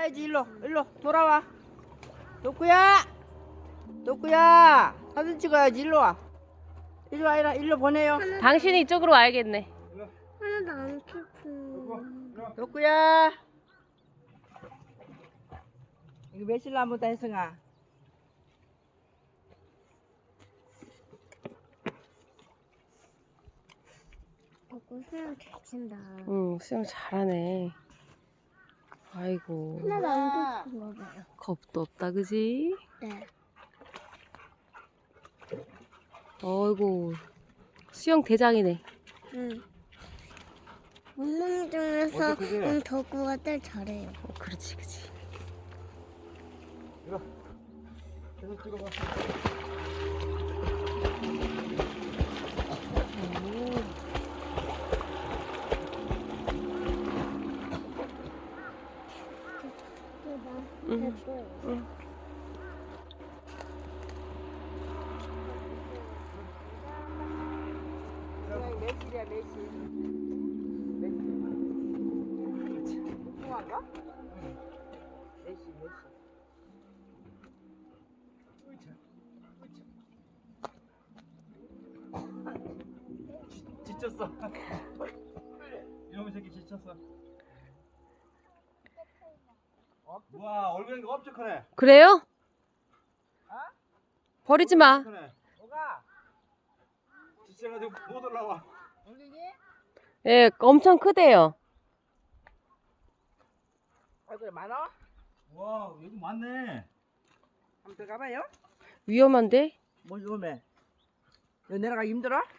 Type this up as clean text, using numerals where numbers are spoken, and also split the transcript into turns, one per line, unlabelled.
가야지. 일로 돌아와. 도쿠야 사진 찍어야지. 일로 와. 일로 보내요.
당신이 이쪽으로 와야겠네.
하나도 안 키고.
도쿠야 이거 매실나무다. 혜승아.
수영 잘 친다.
응, 수영 잘하네. 아이고,
하나도 안 키고 봐요.
겁도 없다, 그지?
네.
어이구, 수영 대장이네.
응. 운동 중에서 덕구가 제일 잘해요.
그렇지, 그치.
이거 계속 찍어봐.
응.
매실이야. 매실. 풍화인가? 매실.
지쳤어. 이놈의 새끼 지쳤어. 와, 얼굴이 엄청 크네.
그래요? 버리지 마.
크네.
뭐가?
지쳐가지고 못 올라와.
올리기?
예, 엄청 크대요.
얼굴 많아?
와, 여기 많네.
한번 들어가봐요.
위험한데?
뭘 위험해? 여기 내려가기 힘들어?